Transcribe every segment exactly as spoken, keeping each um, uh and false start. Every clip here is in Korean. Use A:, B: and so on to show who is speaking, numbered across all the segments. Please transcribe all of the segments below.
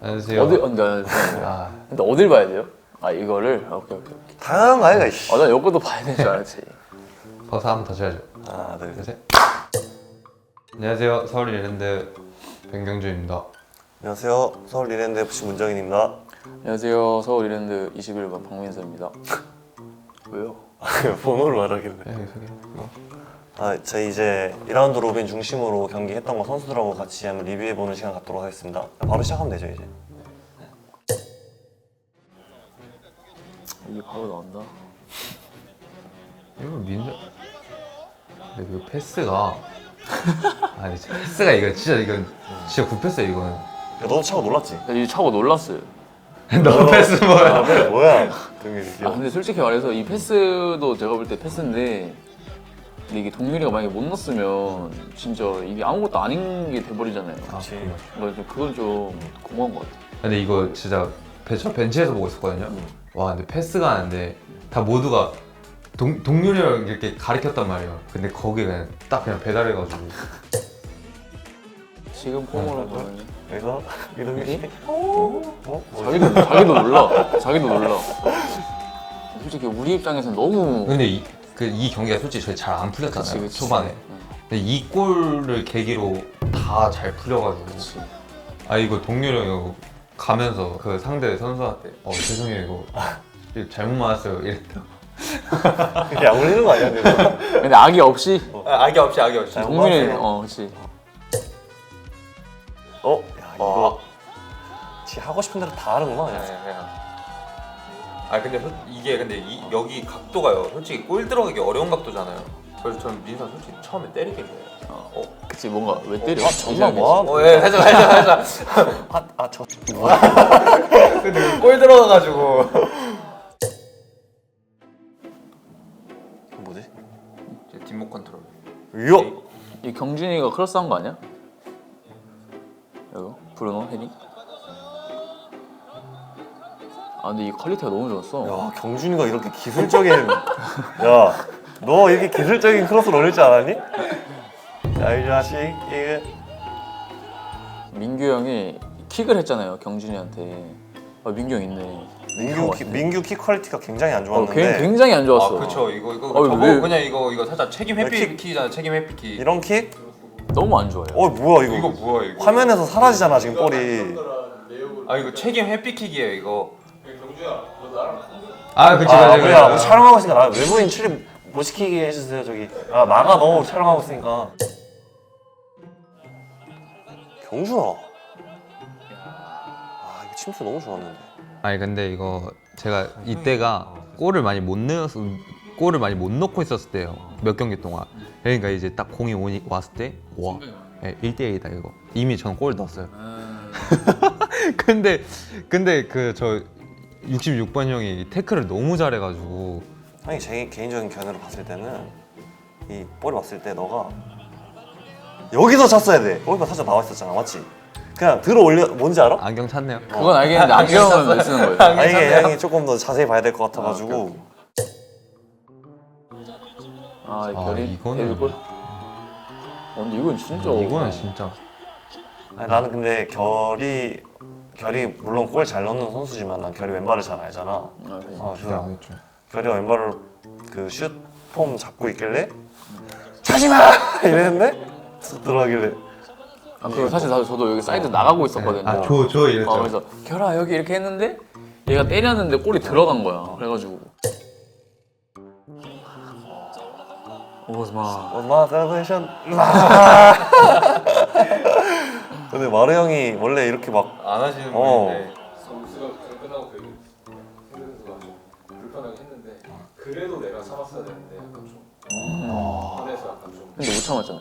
A: 안녕하세요.
B: 어디 근데, 아, 근데 어딜 봐야 돼요? 아 이거를 오케이 오케이.
C: 당연한 거 아이가 이씨.
B: 아나 요거도 봐야 될 줄 알았지.
A: 박수 한번 더 쳐야죠.
C: 하나 둘 셋.
A: 셋. 안녕하세요. 서울 이랜드 변경준입니다.
C: 안녕하세요. 서울 이랜드 에프씨 문정인입니다.
B: 안녕하세요. 서울 이랜드 이십일 번 박민서입니다. 왜요?
C: 번호를 말하길래.
A: 네, 소개. 이거.
C: 아, 저희 이제 이 라운드 로빈 중심으로 경기했던 거 선수들하고 같이 한번 리뷰해보는 시간 갖도록 하겠습니다. 바로 시작하면 되죠 이제.
B: 이게 바로 나온다.
A: 이거 민서. 근데 그 패스가 아니 패스가 이거 진짜 이건 진짜 굽혔어요 이거는.
C: 야, 너도 차고 놀랐지?
B: 나 이거 차고 놀랐어요.
A: 너 패스 뭐야?
C: 아, 그래, 뭐야? 동일이.
B: 아 근데 솔직히 말해서 이 패스도 제가 볼 때 패스인데 근데 이게 동률이가 만약에 못 넣었으면 진짜 이게 아무것도 아닌 게 돼버리잖아요.
C: 그렇지.
B: 그러니까 좀 그건 좀 고마운 것 같아.
A: 근데 이거 진짜 벤- 저 벤치에서 보고 있었거든요. 와 근데 패스가 하는데 다 모두가 동, 동률이랑 이렇게 가리켰단 말이에요. 근데 거기 그냥 딱 그냥 배달해가지고
B: 지금 폼으로 보면
C: 여기서 이동희 씨.
B: 어?
C: 어? 뭐?
B: 자기도 자기도 놀라. 자기도 놀라. 솔직히 우리 입장에서는 너무
A: 근데 이, 그, 이 경기가 솔직히 저희 잘 안 풀렸잖아요.
B: 그치, 그치.
A: 초반에.
B: 응.
A: 근데 이 골을 계기로 다 잘 풀려가지고
B: 그치.
A: 아 이거 동률이 형 이거 가면서 그 상대 선수한테 어 죄송해요 이거 이거 잘못 맞았어요 이랬다.
C: 그게 약 올리는 거 아니야? 근데?
B: 근데 악의 없이
A: 아, 악의 없이 악의 없이.
C: 잘
B: 동률이
C: 맞았어요.
B: 어 그치.
C: 어? 야 이거 지 하고 싶은 대로 다 하는구나. 그냥.
A: 아 근데 소, 이게 근데 이, 여기 각도가요 솔직히 골 들어가기 어려운 각도잖아요. 그래서 저는 민서 솔직히 처음에 때리길래
B: 어, 어 그치 뭔가 왜 때려?
C: 아 정말 뭐하는
A: 어, 예, 살짝 살짝 살짝
C: 아, 아, 저
A: 근데 골 들어가가지고
C: 뭐지?
A: 뒷목 컨트롤.
C: 이야!
B: 이 경준이가 크로스한 거 아니야? 이거 브루노 헤딩? 아 근데 이 퀄리티가 너무 좋았어.
C: 야, 경준이가 이렇게 기술적인 야, 너 이렇게 기술적인 크로스를 올릴 줄 알았니? 야, 이 자식 이게
B: 민규 형이 킥을 했잖아요 경준이한테. 아 민규 형 있네.
C: 민규 키, 민규 키 퀄리티가 굉장히 안
B: 어,
C: 좋았는데
B: 굉- 굉장히 안 좋았어.
A: 아 그쵸 이거 이거
B: 어,
A: 저거
B: 왜-
A: 그냥 이거 이거 살짝 책임
C: 킥-
A: 회피키잖아 책임 회피키.
C: 이런 킥?
B: 너무 안 좋아요.
C: 어 뭐야 이거?
A: 이거 뭐야 이거?
C: 화면에서 사라지잖아 지금 볼이.
A: 아 이거 책임 회피킥이에요 이거. 아 그치
C: 아
A: 그치
C: 뭐야? 우리 촬영하고 있으니까 나 외부인 출입 못 시키게 해주세요 저기. 아 나가 너 촬영하고 있으니까. 경준아. 아 이거 침투 너무 좋았는데.
A: 아니 근데 이거 제가 이때가 골을 많이 못 넣어서 골을 많이 못 넣고 있었을 때요 몇 경기 동안. 그러니까 이제 딱 공이 오니 왔을 때와 네, 일 대 일이다 이거. 이미 저는 골 넣었어요. 근데 근데 그 저 육십육 번 형이 태클을 너무 잘해가지고
C: 아니 제 개인적인 견해로 봤을 때는 이 볼이 왔을 때 너가 여기서 찼어야 돼. 골키퍼 살짝 나와 있었잖아, 맞지? 그냥 들어 올려 뭔지 알아?
A: 안경 찼네요.
B: 그건 알겠는데 안경은 왜 쓰는 거예요?
C: 아 이게 양이 조금 더 자세히 봐야 될 것 같아가지고.
B: 아, 이
A: 아,
B: 결이
A: 이거는-
B: 데뷔골? 어, 근데 이건 진짜
A: 이거는 진짜
C: 아니, 나는 근데 결이 결이 물론 골 잘 넣는 선수지만 난 결이 왼발을 잘 알잖아.
B: 아, 그래.
C: 아,
A: 기대
C: 그래서
A: 안 했죠.
C: 결이가 왼발을 그 슛 폼 잡고 있길래 차지마 이랬는데 쑥 들어가길래
B: 아, 그리고 사실 나도 저도 여기 사이드 나가고 있었거든요.
A: 아저저 이랬죠.
B: 어, 그래서 결아 여기 이렇게 했는데 얘가 때렸는데 골이 들어간 거야. 그래가지고 오스마.
C: 엄마 셀레이션 근데 마르 형이 원래 이렇게 막
A: 안 하시는
C: 어.
A: 분인데
D: 점수가 끝나고 되게 현대 선수가 좀 불편하게 했는데 그래도 내가 참았어야 되는데 약간 좀 안에서 약간 좀
B: 근데 못 참았잖아.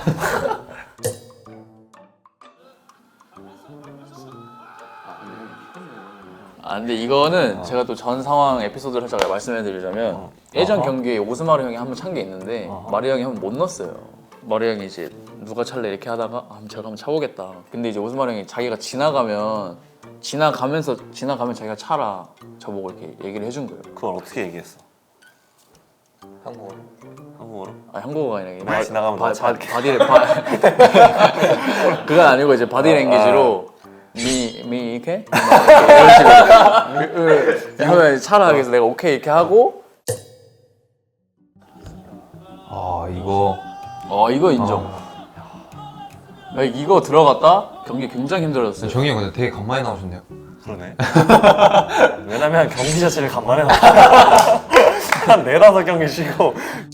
B: 아 근데 이거는 제가 또 전 상황 에피소드를 살짝 말씀해드리자면
C: 어.
B: 예전
C: 어허.
B: 경기에 오스마르 형이 한 번 찬 게 있는데
C: 어허.
B: 마르 형이 한 번 못 넣었어요. 마르 형이 이제 누가 찰래 이렇게 하다가 아, 그럼 제가 한번 차보겠다. 근데 이제 오스마르 형이 자기가 지나가면 지나가면서 지나가면 자기가 차라 저보고 이렇게 얘기를 해준 거예요.
C: 그걸 어떻게 얘기했어?
A: 한국어.
C: 한국어로?
B: 아 한국어가 아니라 이게
C: 말 지나가면
B: 바,
C: 너 차-
B: 바, 바디를 바 그건 아니고 이제 바디랭귀지로 미, 미 형이 이렇게 이런 식으로 그러면 차라 그래서 내가 오케이 이렇게 하고
A: 아 이거
B: 어 이거 인정. 야, 이거 들어갔다 경기 굉장히 힘들었어요.
A: 정이 형 근데 되게 간만에 나오셨네요.
C: 그러네. 왜냐면 경기 자체를 간만에 나왔어. 한 네다섯 경기 쉬고.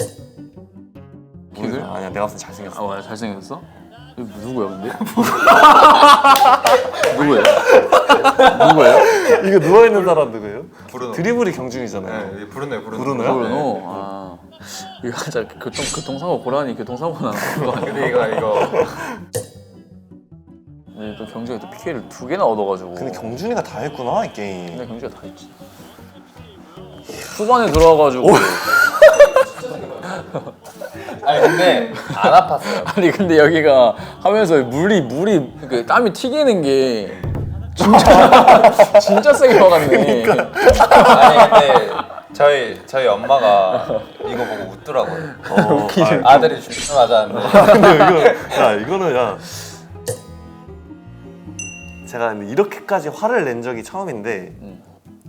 B: 키들?
C: 아니야 내가 봤을 때 잘생겼어.
B: 아, 맞아. 잘생겼어? 이거 누구야 근데? 누구예요? 누구예요?
C: 이거 누워 있는 사람 누구예요?
A: 브루노.
C: 드리블이 경준이잖아요.
A: 네, 부르네 부르네.
C: 브루노야?
B: 브루노? 아 이거 진짜 교통, 교통사고 고라니 교통사고 나는 거 아니야?
A: 근데 이거 이거
B: 근데 또 경주가 또 피케를 두 개나 얻어가지고
C: 근데 경준이가 다 했구나 이 게임.
B: 근데 경주가 다 했지 후반에 들어와가지고
A: 아니 근데 안 아팠어요.
B: 아니 근데 여기가 하면서 물이 물이 그 땀이 튀기는 게 진짜 진짜 세게 와갔네.
A: 아니 근데 저희 저희 엄마가 이거 보고 웃더라고요.
C: 어,
A: 아, 아들이 죽는 맞았는데.
C: 근데 이거 야 이거는 야 제가 근데 이렇게까지 화를 낸 적이 처음인데
B: 음.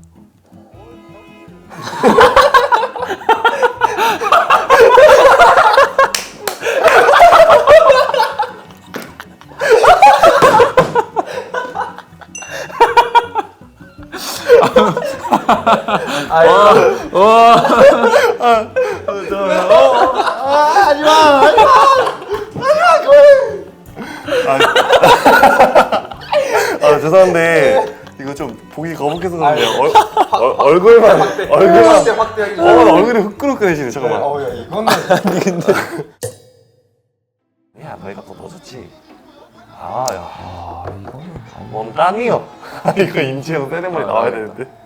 C: 아 죄송한데 이거 좀 보기 거북해서 그런데요. 얼, 얼, 얼굴만 얼굴만
A: 확대하기
C: 어, 얼굴이 후끈후끈해지네. 잠깐만.
A: 어야 이거는
C: 야 너희가 또 넣어줬지. 아야
A: 아 이거는
C: 뭔 땅이요. 이거 임지영 세레머니
B: 아,
C: 나와야
B: 나와야겠다.
C: 되는데.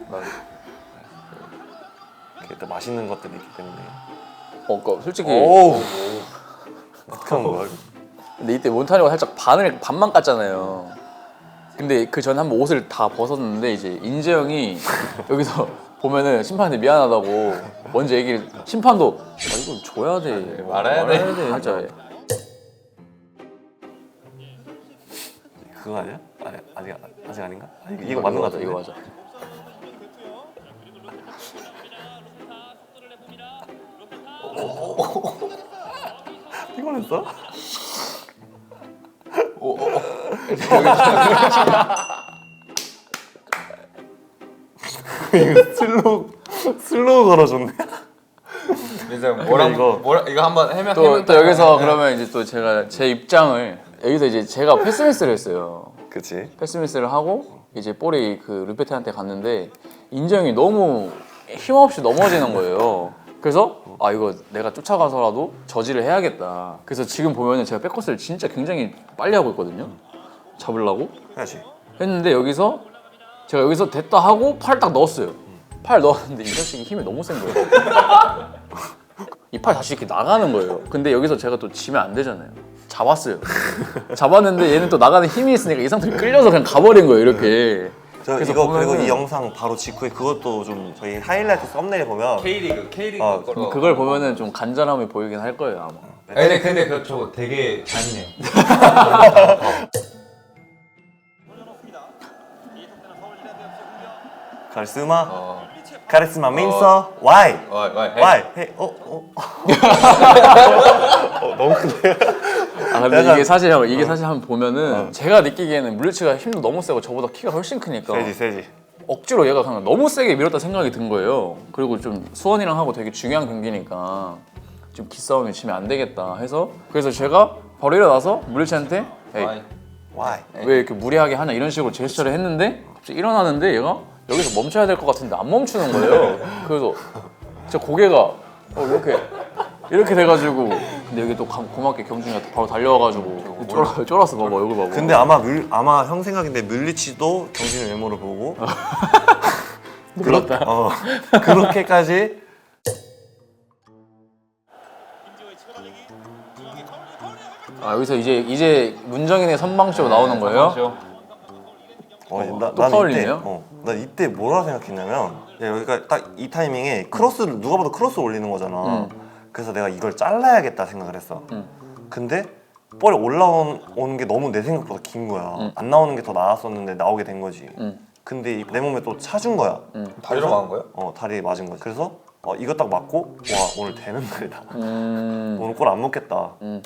C: 이렇게 또 맛있는 것들이 있기 때문에.
B: 어, 그 솔직히
C: 오우. 어떡한 거야?
B: 근데 이때 몬타니가 살짝 반을 반만 깠잖아요. 근데 그 전에 한번 옷을 다 벗었는데 이제 인재 형이 여기서 보면은 심판한테 미안하다고 먼저 얘기를 심판도 아 이거 줘야 돼
A: 말해야 돼.
B: 말해야 돼 살짝
C: 그거 아니야? 아니 아직 아직 아닌가? 아, 이거, 이거 맞는 거
B: 맞아
C: 같은데.
B: 이거 맞아.
C: 피곤했어? 이거 슬로우 슬로우 걸어줬네.
A: 이제 뭐랑
C: 이거-
A: 뭐라 이거 한번 해면
B: 또, 또 여기서 그러면 이제 또 제가 제 입장을 여기서 이제 제가 패스미스를 했어요.
C: 그치?
B: 패스미스를 하고 이제 볼이 그 루페트한테 갔는데 인정이 너무 힘없이 넘어지는 거예요. 그래서 아 이거 내가 쫓아가서라도 저지를 해야겠다. 그래서 지금 보면은 제가 백커스를 진짜 굉장히 빨리 하고 있거든요. 잡으려고
C: 해야지.
B: 했는데 여기서 제가 여기서 됐다 하고 팔 딱 넣었어요. 팔 넣었는데 이 자식이 힘이 너무 센 거예요. 이 팔 다시 이렇게 나가는 거예요. 근데 여기서 제가 또 지면 안 되잖아요. 잡았어요. 잡았는데 얘는 또 나가는 힘이 있으니까 이 상태로 끌려서 그냥 가버린 거예요. 이렇게.
C: 저
B: 그래서
C: 이거
B: 보면은-
C: 그리고 이 영상 바로 직후에 그것도 좀 저희 하이라이트 썸네일 보면
A: K리그 K리그
C: 아,
A: 거로.
B: 그걸 보면은 좀 간절함이 보이긴 할 거예요 아마.
A: 아니, 근데 근데 그저 되게 잔인해요.
C: 카리스마
A: 어.
C: 카리스마 민서 why
A: 와, 와, 헤이.
C: why 헤이 어 어. 어 너무 큰데.
B: 아 근데
C: 약간-
B: 이게 사실 형, 이게 사실 한번 보면은 제가 느끼기에는 물리치가 힘도 너무 세고 저보다 키가 훨씬 크니까
C: 세지 세지.
B: 억지로 얘가 그냥 너무 세게 밀었다 생각이 든 거예요. 그리고 좀 수원이랑 하고 되게 중요한 경기니까 좀 기싸움이 치면 안 되겠다 해서 그래서 제가 바로 일어나서 물리치한테 에이,
A: 와이.
C: why
B: 왜 이렇게 무리하게 하냐 이런 식으로 제스처를 했는데 갑자기 일어나는데 얘가 여기서 멈춰야 될 것 같은데 안 멈추는 거예요. 그래서 진짜 고개가 어, 이렇게 이렇게 돼가지고 근데 여기 또 감- 고맙게 경준이가 바로 달려와가지고 쫄아, 쫄았어 봐봐 얼굴 봐봐.
C: 근데 아마 물 아마 형 생각인데 물리치도 경진의 외모를 보고
B: 놀랐다.
C: 어 그렇게까지
B: 아 여기서 이제 이제 문정인의 선방쇼 나오는 거예요?
C: 어,
B: 어,
C: 나,
B: 또
C: 난
B: 파울이네요?
C: 이때, 어, 나 이때 뭐라 생각했냐면 야, 여기가 딱 이 타이밍에 크로스를 누가 봐도 크로스 올리는 거잖아.
B: 음.
C: 그래서 내가 이걸 잘라야겠다 생각을 했어.
B: 음.
C: 근데 볼이 올라오는 게 너무 내 생각보다 긴 거야.
B: 응.
C: 안 나오는 게 더 나았었는데 나오게 된 거지.
B: 응.
C: 근데 이- 내 몸에 또 차준 거야.
B: 응.
E: 다리로 막은 거야?
C: 어, 다리에 맞은 거지. 그래서 어, 이거 딱 맞고 와 오늘 되는 날이다.
B: 음.
C: 오늘 골 안 먹겠다.
B: 음.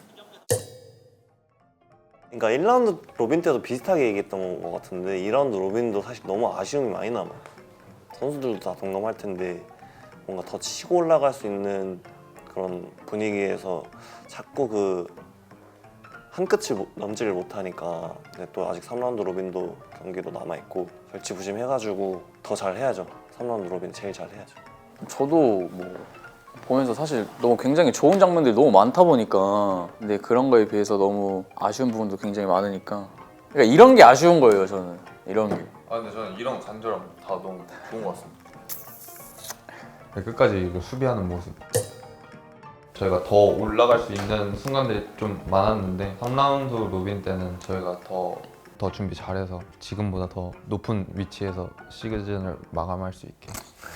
C: 그러니까 일 라운드 로빈 때도 비슷하게 얘기했던 것 같은데 이 라운드 로빈도 사실 너무 아쉬움이 많이 남아. 선수들도 다 동감할 텐데 뭔가 더 치고 올라갈 수 있는 그런 분위기에서 자꾸 그 한 끝을 못- 넘지를 못하니까. 근데 또 아직 삼 라운드 로빈도 경기도 남아 있고 절치부심해가지고 더 잘해야죠. 삼 라운드 로빈 제일 잘해야죠.
B: 저도 뭐 보면서 사실 너무 굉장히 좋은 장면들이 너무 많다 보니까 근데 그런 거에 비해서 너무 아쉬운 부분도 굉장히 많으니까 그러니까 이런 게 아쉬운 거예요 저는 이런 게.
E: 아 근데 저는 이런 간절함 다 너무 좋은 것 같습니다.
A: 네, 끝까지 이거 수비하는 모습. 저희가 더 올라갈 수 있는 순간들이 좀 많았는데 삼 라운드 로빈 때는 저희가 더, 더 준비 잘해서 지금보다 더 높은 위치에서 시즌을 마감할 수 있게.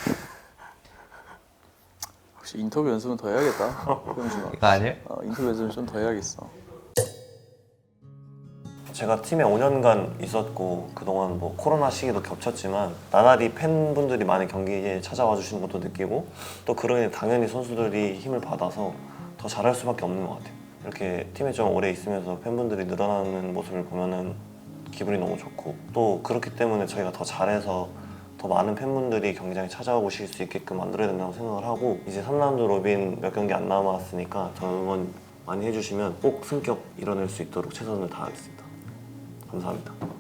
B: 혹시 인터뷰 연습은 더 해야겠다. 효영준아.
A: 이거 아니에요?
B: 어, 인터뷰 연습은 좀 더 해야겠어.
C: 제가 팀에 오 년간 있었고 그동안 뭐 코로나 시기도 겹쳤지만 나날이 팬분들이 많이 경기에 찾아와 주시는 것도 느끼고 또 그러니 당연히 선수들이 힘을 받아서 더 잘할 수밖에 없는 것 같아요. 이렇게 팀에 좀 오래 있으면서 팬분들이 늘어나는 모습을 보면은 기분이 너무 좋고 또 그렇기 때문에 저희가 더 잘해서 더 많은 팬분들이 경기장에 찾아오실 수 있게끔 만들어야 된다고 생각을 하고 이제 삼 라운드 로빈 몇 경기 안 남았으니까 더 응원 많이 해주시면 꼭 승격 이뤄낼 수 있도록 최선을 다하겠습니다. 감사합니다.